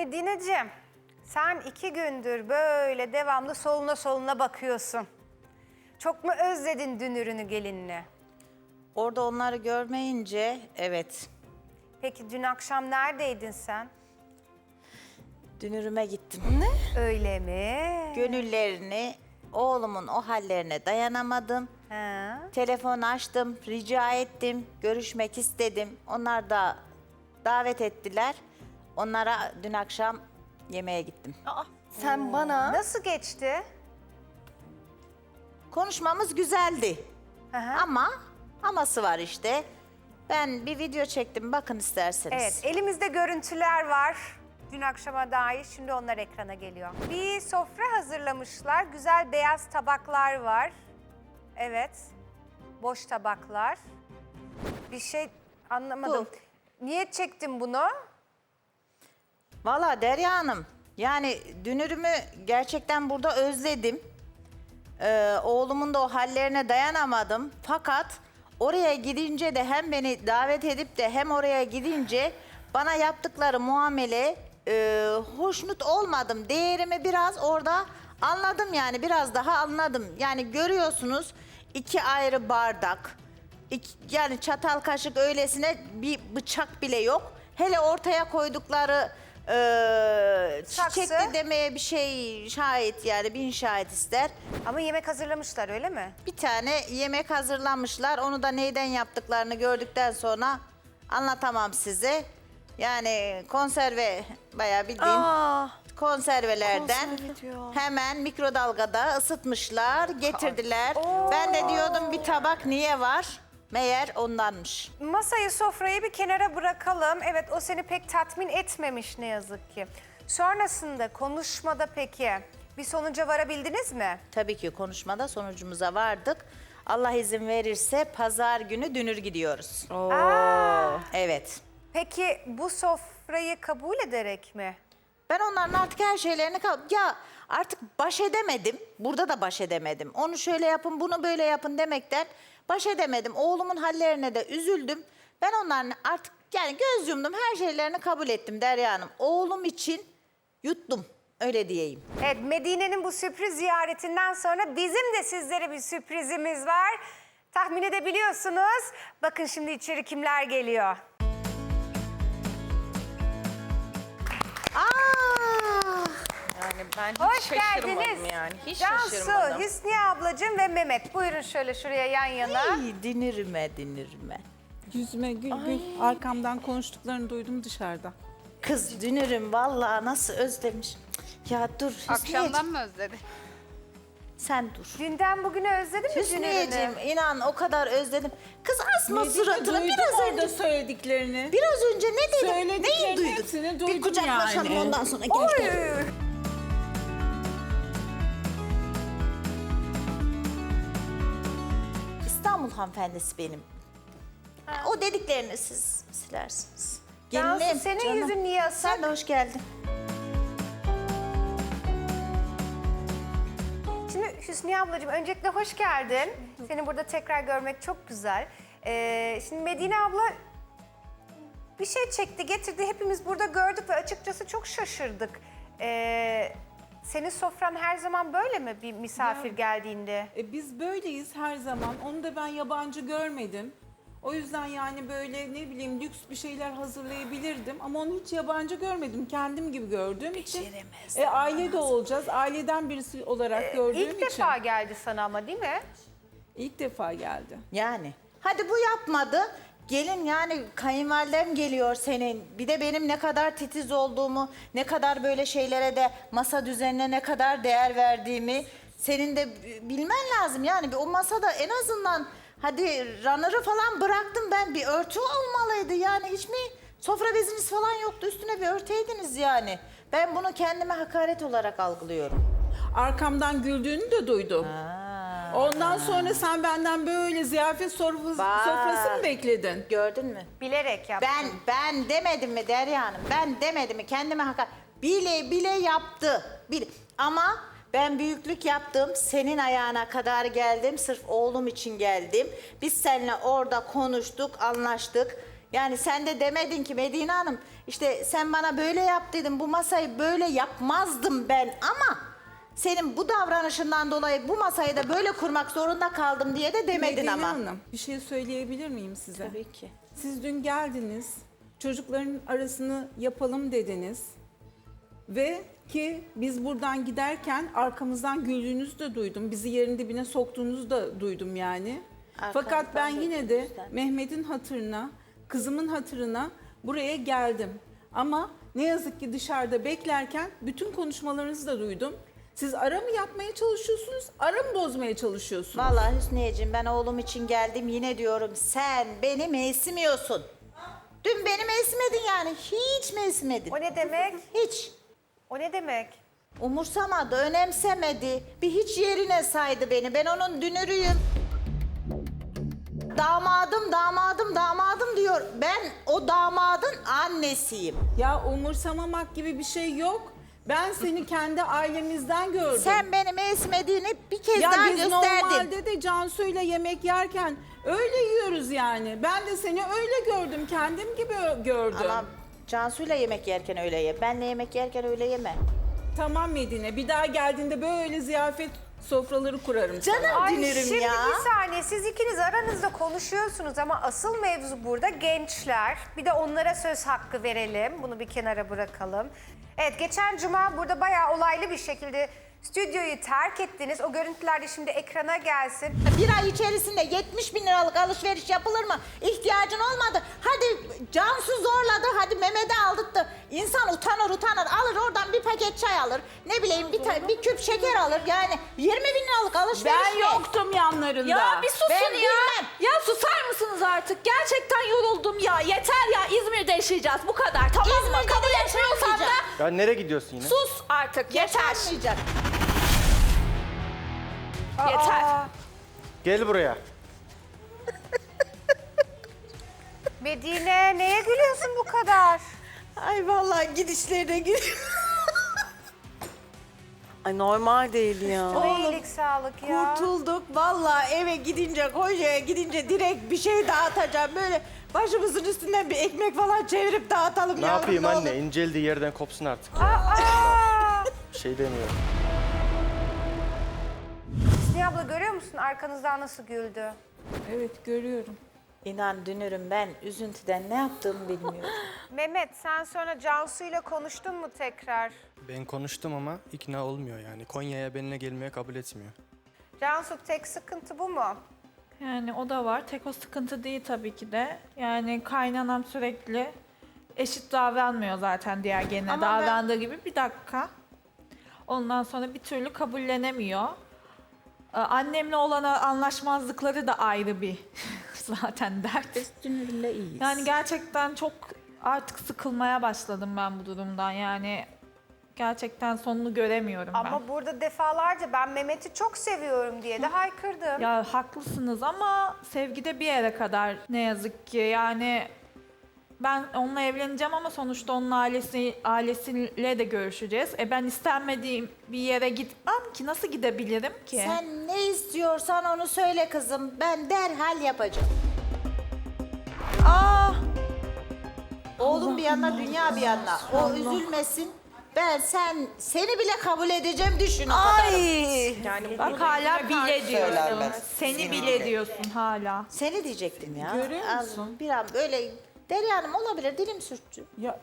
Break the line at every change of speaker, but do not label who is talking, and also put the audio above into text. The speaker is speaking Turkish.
Medineciğim, sen 2 gündür böyle devamlı soluna soluna bakıyorsun. Çok mu özledin dünürünü, gelinini?
Orada onları görmeyince evet
Peki dün akşam neredeydin sen?
dünürüme gittim.
Öyle mi?
Gönüllerini, oğlumun o hallerine dayanamadım.
Ha.
Telefon açtım, rica ettim, görüşmek istedim. Onlar da davet ettiler. Onlara dün akşam yemeğe gittim.
Sen bana
Nasıl geçti?
Konuşmamız güzeldi.
Hı hı.
Aması var işte. Ben bir video çektim, bakın isterseniz.
Evet, elimizde görüntüler var. Dün akşama dair, şimdi onlar ekrana geliyor. Bir sofra hazırlamışlar, güzel beyaz tabaklar var. Evet, boş tabaklar. Bir şey anlamadım. Niye çektin bunu?
Valla Derya Hanım, yani dünürümü gerçekten burada özledim. Oğlumun da o hallerine dayanamadım. Fakat oraya gidince de hem beni davet edip de hem oraya gidince bana yaptıkları muamele hoşnut olmadım. Değerimi biraz orada anladım, yani biraz daha anladım. Yani görüyorsunuz 2 ayrı bardak, yani çatal kaşık öylesine bir bıçak bile yok. Hele ortaya koydukları çiçekli
Saksı.
demeye bir şey şahit, yani 1000 şahit ister.
Ama yemek hazırlamışlar, öyle mi?
Bir tane yemek hazırlamışlar. Onu da neyden yaptıklarını gördükten sonra anlatamam size. Yani konserve, bayağı bildiğin konservelerden
konserve diyor.
hemen mikrodalgada ısıtmışlar, getirdiler. Ben de diyordum bir tabak niye var? Meğer ondanmış.
Masayı, sofrayı bir kenara bırakalım. Evet, o seni pek tatmin etmemiş ne yazık ki. Sonrasında konuşmada peki bir sonuca varabildiniz mi?
Tabii ki konuşmada sonucumuza vardık. Allah izin verirse pazar günü dünür gidiyoruz. Evet.
Peki bu sofrayı kabul ederek mi?
Ben onların artık her şeylerini... Ya artık baş edemedim. Burada da baş edemedim. Onu şöyle yapın, bunu böyle yapın demekten baş edemedim. Oğlumun hallerine de üzüldüm. Ben onların artık yani göz yumdum. Her şeylerini kabul ettim Derya Hanım. Oğlum için yuttum. Öyle diyeyim.
Evet, Medine'nin bu sürpriz ziyaretinden sonra bizim de sizlere bir sürprizimiz var. Tahmin edebiliyorsunuz. Bakın şimdi içeri kimler geliyor.
yani ben hiç
Hoş
şaşırmadım
geldiniz.
yani. Hiç
Cansu,
şaşırmadım.
Hüsniye ablacığım ve Mehmet. Buyurun şöyle şuraya yan yana.
Ay, dinirime.
Yüzüme gül gül. Arkamdan konuştuklarını duydum dışarıda.
Kız dünürüm vallahi nasıl özlemiş. Ya dur Hüsniyeciğim,
Akşamdan mı özledin?
sen dur.
Dünden bugüne özledin mi
Hüsniyeciğim
dünürünü?
inan o kadar özledim. Kız asma
Medine,
suratını
duydum
biraz
orada
önce.
söylediklerini.
Biraz önce ne dedim? Neyi
Söylediklerini
duydun?
hepsini
Bir
duydum
kucaklaşalım
yani.
ondan sonra gel.
Oy.
İstanbul hanımefendisi benim. O dediklerini siz silersiniz.
Cansu,
Gelinim,
senin
canım.
yüzün niye asık?
Sen de hoş geldin.
Şimdi Hüsniye ablacığım öncelikle hoş geldin. Seni burada tekrar görmek çok güzel. Şimdi Medine abla bir şey çekti, getirdi. Hepimiz burada gördük ve açıkçası çok şaşırdık. Senin sofran her zaman böyle mi bir misafir geldiğinde?
Biz böyleyiz her zaman. Onu da ben yabancı görmedim. O yüzden yani böyle ne bileyim lüks bir şeyler hazırlayabilirdim. Ama onu hiç yabancı görmedim. Kendim gibi gördüğüm için. Aile de olacağız. Aileden birisi olarak gördüğüm
İlk
için.
defa geldi sana ama değil mi?
İlk defa geldi.
Yani. Hadi bu yapmadı. Gelin yani kayınvalidem geliyor senin. Bir de benim ne kadar titiz olduğumu, ne kadar böyle şeylere de masa düzenine ne kadar değer verdiğimi senin de bilmen lazım. Yani o masada en azından hadi runner'ı falan bıraktım ben, bir örtü olmalıydı. Yani hiç mi sofra beziniz falan yoktu, üstüne bir örteydiniz yani. Ben bunu kendime hakaret olarak algılıyorum.
Arkamdan güldüğünü de duydum. Ondan sonra sen benden böyle ziyafet sofrası mı bekledin?
Gördün mü?
Bilerek yaptın.
Ben demedim mi Derya Hanım? Ben demedim mi? Kendime hakaret. Bile yaptı. Ama ben büyüklük yaptım. Senin ayağına kadar geldim. Sırf oğlum için geldim. Biz seninle orada konuştuk, anlaştık. Yani sen de demedin ki Medine Hanım işte sen bana böyle yap dedin, bu masayı böyle yapmazdım ben ama senin bu davranışından dolayı bu masayı da böyle kurmak zorunda kaldım diye de demedin
Medine
ama.
Hanım, bir şey söyleyebilir miyim size?
Tabii ki.
Siz dün geldiniz, çocukların arasını yapalım dediniz. Ve ki biz buradan giderken arkamızdan güldüğünüzü de duydum. Bizi yerin dibine soktuğunuzu da duydum yani. Fakat ben yine de Mehmet'in hatırına, kızımın hatırına buraya geldim. Ama ne yazık ki dışarıda beklerken bütün konuşmalarınızı da duydum. Siz ara mı yapmaya çalışıyorsunuz, ara mı bozmaya çalışıyorsunuz?
Vallahi Hüsniyeciğim ben oğlum için geldim yine diyorum sen beni mevsimiyorsun. Dün beni mevsimedin yani hiç mevsimedin.
O ne demek?
Hiç.
O ne demek?
Umursamadı, önemsemedi. Bir hiç yerine saydı beni. Ben onun dünürüyüm. Damadım, damadım, damadım diyor. Ben o damadın annesiyim.
Ya umursamamak gibi bir şey yok. Ben seni kendi ailemizden gördüm.
Sen beni mevsimediğini bir kez
Ya
daha
biz
gösterdin.
normalde de Cansu'yla yemek yerken öyle yiyoruz yani. Ben de seni öyle gördüm, kendim gibi gördüm.
Ama Cansu'yla yemek yerken öyle ye. Benle yemek yerken öyle yeme.
Tamam Medine, bir daha geldiğinde böyle ziyafet sofraları kurarım sana.
Canım
Ay
dünürüm
şimdi
ya.
bir saniye, siz ikiniz aranızda konuşuyorsunuz ama asıl mevzu burada gençler. Bir de onlara söz hakkı verelim. Bunu bir kenara bırakalım. Evet, geçen cuma burada bayağı olaylı bir şekilde stüdyoyu terk ettiniz. O görüntüler de şimdi ekrana gelsin.
Bir ay içerisinde 70 bin liralık alışveriş yapılır mı? İhtiyacın olmadı. Hadi Cansu zorladı, hadi Mehmet'i aldırttı. İnsan utanır alır oradan bir paket çay alır. Ne bileyim bir küp şeker alır. Yani 20 bin liralık alışveriş
Ben
mi?
yoktum yanlarında.
Ya bir susun
Ben
ya.
bilmem.
Ya susar mısınız artık? Gerçekten yoruldum ya. Yeter ya, İzmir'de yaşayacağız bu kadar. Tamam mı?
İzmir'de
Kabul
de
etmiyorsan da
yaşamayacağım.
Ya nereye gidiyorsun yine?
sus artık. Yeter.
Yaşanmayacak.
Yeter.
Gel buraya.
Medine, neye gülüyorsun bu kadar?
Ay vallahi gidişlerine gidiyor.
Ay normal değil ya.
Çok iyilik, sağlık ya.
Kurtulduk. Vallahi eve gidince, Konya'ya gidince direkt bir şey dağıtacağım. Böyle başımızın üstünden bir ekmek falan çevirip dağıtalım.
Ne
yavrum,
yapayım
ne
anne?
olur.
İnceldiği yerden kopsun artık. Bir şey demiyorum.
Hüsniye abla, görüyor musun arkanızdan nasıl güldü?
Evet, görüyorum.
İnan dünürüm ben üzüntüden ne yaptığımı bilmiyorum.
Mehmet, sen sonra Cansu ile konuştun mu tekrar?
Ben konuştum ama ikna olmuyor yani. Konya'ya benimle gelmeye kabul etmiyor.
Cansu, tek sıkıntı bu mu?
Yani o da var. Tek o sıkıntı değil tabii ki de. Yani kaynanam sürekli eşit davranmıyor zaten diğer geline
Ama ben-
davrandığı gibi. Bir dakika. Ondan sonra bir türlü kabullenemiyor. Annemle olan anlaşmazlıkları da ayrı bir zaten dert.
Dünürümle iyiyiz.
Yani gerçekten çok artık sıkılmaya başladım ben bu durumdan. Yani gerçekten sonunu göremiyorum ben.
Ama burada defalarca ben Mehmet'i çok seviyorum diye de haykırdım.
Ya haklısınız ama sevgide bir yere kadar ne yazık ki. Yani ben onunla evleneceğim ama sonuçta onun ailesiyle de görüşeceğiz. Ben istenmediğim bir yere gitmem ki. Nasıl gidebilirim ki?
Sen ne istiyorsan onu söyle kızım. Ben derhal yapacağım. Oğlum bir yana, dünya bir yana. O üzülmesin. Ben seni bile kabul edeceğim düşün o kadar.
Yani
Bak hala bile diyorsun.
söylenmez.
Seni bile diyorsun hala.
Seni diyecektim ya.
Görüyor
Az-
musun?
Bir an böyle Derya Hanım olabilir dilim sürçtü.
Ya